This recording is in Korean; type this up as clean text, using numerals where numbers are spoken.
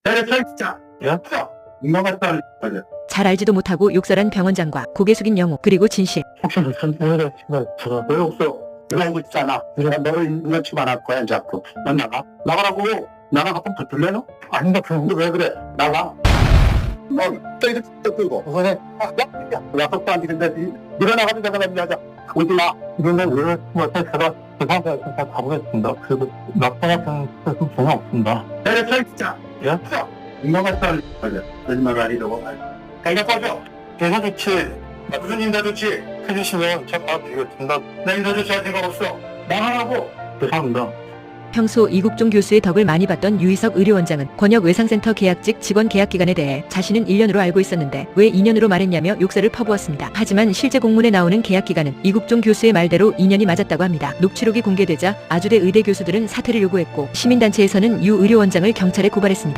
대리차 진짜. 야, 민망했다. 잘 알지도 못하고 욕설한 병원장과 고개 숙인 영우 그리고 진실. 혹시 무슨 소리를 들어? 왜 없어? 내가 알고 있잖아. 내가 너를 인간치 말할 거야 자꾸. 난 나가. 나가라고. 나랑 한번 붙을래요? 아닌가 그런데 왜 그래? 나가. 너 이렇게 끌고 우선에 약속도 안 지는데 네가 나가는 데가 남자자. 오지 마. 이러면 왜 제가 죄송합니다. 진짜 가보겠습니다. 그래도 나타나서는 전혀 없습니다. 대리차 진짜. 야, 민망했다. 거짓말 아니라고. 가이가 꺼져. 대사 좋지. 무슨 인사 좋지? 해주시면 제가 드리겠습니다. 나 인사 좋지 할 생각 없어. 나가라고. 죄송합니다. 평소 이국종 교수의 덕을 많이 봤던 유희석 의료원장은 권역 외상센터 계약직 직원 계약기간에 대해 자신은 1년으로 알고 있었는데 왜 2년으로 말했냐며 욕설을 퍼부었습니다. 하지만 실제 공문에 나오는 계약기간은 이국종 교수의 말대로 2년이 맞았다고 합니다. 녹취록이 공개되자 아주대 의대 교수들은 사퇴를 요구했고 시민단체에서는 유 의료원장을 경찰에 고발했습니다.